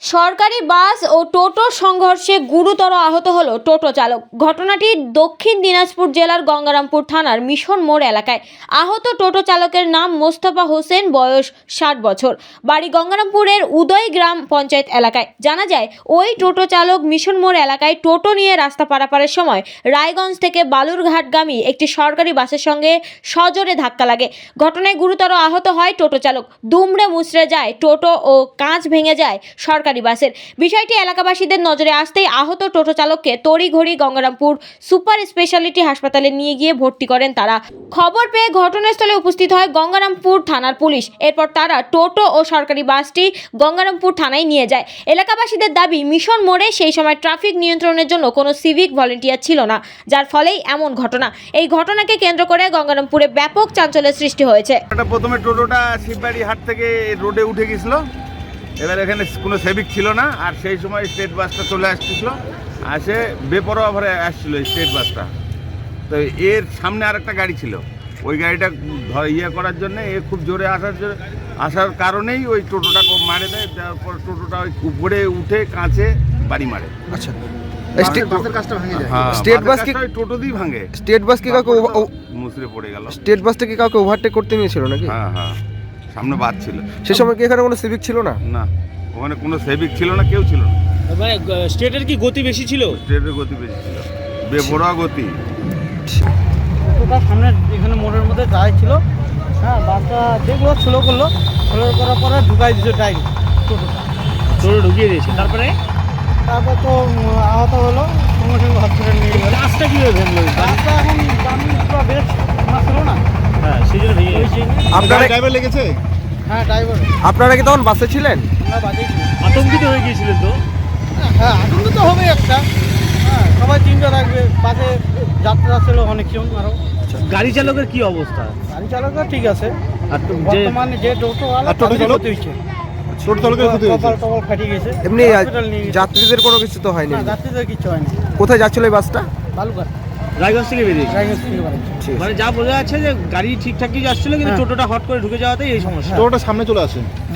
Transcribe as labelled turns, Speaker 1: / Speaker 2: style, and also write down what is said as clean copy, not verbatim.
Speaker 1: সরকারি বাস ও টোটোর সংঘর্ষে গুরুতর আহত হলো টোটো চালক। ঘটনাটি দক্ষিণ দিনাজপুর জেলার গঙ্গারামপুর থানার মিশন মোড় এলাকায়। আহত টোটো চালকের নাম মোস্তফা হোসেন, বয়স 60 বছর, বাড়ি গঙ্গারামপুরের উদয় গ্রাম পঞ্চায়েত এলাকায়। জানা যায়, ওই টোটো চালক মিশন মোড় এলাকায় টোটো নিয়ে রাস্তা পারাপারের সময় রায়গঞ্জ থেকে বালুরঘাটগামী একটি সরকারি বাসের সঙ্গে সজোরে ধাক্কা লাগে। ঘটনায় গুরুতর আহত হয় টোটো চালক। দুমড়ে মুচড়ে যায় টোটো ও কাঁচ ভেঙে যায় সরকারি বাসের। বিষয়টি এলাকাবাসীদের নজরে আসতেই আহত টোটো চালককে তড়িঘড়ি গঙ্গারামপুর সুপার স্পেশালিটি হাসপাতালে নিয়ে গিয়ে ভর্তি করেন তারা। খবর পেয়ে ঘটনাস্থলে উপস্থিত হয় গঙ্গারামপুর থানার পুলিশ। এরপর তারা টোটো ও সরকারি বাসটি গঙ্গারামপুর থানায় নিয়ে যায়। এলাকাবাসীদের দাবি, মিশন মোড়ে সেই সময় ট্রাফিক নিয়ন্ত্রণের জন্য কোনো সিভিক ভলেন্টিয়ার ছিল না, যার ফলেই এমন ঘটনা। এই ঘটনাকে কেন্দ্র করে গঙ্গারামপুরে ব্যাপক চাঞ্চল্যের সৃষ্টি হয়েছে।
Speaker 2: প্রথমে টোটোটা শিববাড়ি হাট থেকে রোডে উঠে গেছিল। এবার এখানে কোনো সেভিক ছিল না, আর সেই সময় স্টেট বাসটা চলে আসছিল, আসে বেপরোয়া ভরে আসছিল স্টেট বাসটা। তো এর সামনে আরেকটা গাড়ি ছিল, ওই গাড়িটা করার জন্য এ খুব জোরে আসার কারণেই ওই টোটোটা মারে দেয়। তারপর টোটোটা ওই উপরে উঠে কাঁচে বাড়ি মারে।
Speaker 3: আচ্ছা,
Speaker 2: স্টেট বাস কি টোটো দিয়ে ভাঙে?
Speaker 3: স্টেট বাস কি কাউকে
Speaker 2: মুসড়ে পড়ে গেল।
Speaker 3: স্টেট বাসটা কি কাউকে ওভারটেক করতে নিয়েছিল নাকি?
Speaker 2: হ্যাঁ হ্যাঁ, সামনে বাস ছিল।
Speaker 3: সে সময় কি এখানে কোনো সিভিক ছিল না?
Speaker 2: না, ওখানে কোনো সেভিক ছিল না, কেউ ছিল না।
Speaker 4: মানে স্টেটের কি গতি বেশি ছিল?
Speaker 2: স্টেটের গতি বেশি ছিল, বেপরোয়া গতি।
Speaker 5: টোটোটা সামনে এখানে মোড়ের মধ্যে দাঁড়াই ছিল। হ্যাঁ, বাসটা দেখলো, স্লো করলো, স্লো করার পরে ঢুকাই দিচ্ছে ডাইরেক্ট টোটোটা।
Speaker 4: টোটো ঢুকিয়ে দিয়েছে, তারপর
Speaker 5: তো আহত হলো, সঙ্গে সঙ্গে হসপিটাল নিয়ে গেল।
Speaker 4: রাস্তা কীভাবে ভেঙলো?
Speaker 5: রাস্তা এখন পুরো বেশ ছিল না।
Speaker 4: হ্যাঁ, সেই জন্য ভেঙে গেছে।
Speaker 3: আপনারা
Speaker 2: ড্রাইভার লেগেছে?
Speaker 5: হ্যাঁ, ড্রাইভার।
Speaker 3: আপনারা কি তখন বাসে ছিলেন?
Speaker 5: আমরা বাজেই ছিল।
Speaker 4: আতঙ্কিত হয়ে গিয়েছিলেন তো?
Speaker 5: হ্যাঁ, আতঙ্ক তো হবে একটা। হ্যাঁ, সবাই চিন্তা রাখবে। বাসে যাত্রা ছিল অনেকজন আরও।
Speaker 4: গাড়ি চালকের কি অবস্থা?
Speaker 5: গাড়ি চালকও ঠিক আছে।
Speaker 4: আর
Speaker 5: বর্তমানে যে টোটোওয়ালা
Speaker 3: টোটো চালক
Speaker 5: হয়েছে,
Speaker 3: টোটো চালকের ক্ষতি হয়েছে।
Speaker 5: কপাল ফাটিয়ে গেছে।
Speaker 3: এমনি
Speaker 5: হসপিটাল নিয়ে গেছে।
Speaker 3: যাত্রীদের কোনো কিছু তো হয়নি?
Speaker 5: না, যাত্রীদের কিছু হয়নি।
Speaker 3: কোথায় যাচ্ছিল এই বাসটা?
Speaker 5: বালুঘাট
Speaker 4: রায়গঞ্জ থেকে বেরিয়েছে।
Speaker 5: রায়গঞ্জ থেকে বাড়ি।
Speaker 4: মানে যা বোঝা যাচ্ছে যে গাড়ি ঠিকঠাকই যাচ্ছিল, কিন্তু টোটোটা হট করে ঢুকে যাওয়াতেই এই সমস্যা।
Speaker 3: টোটোটা সামনে চলে আসে।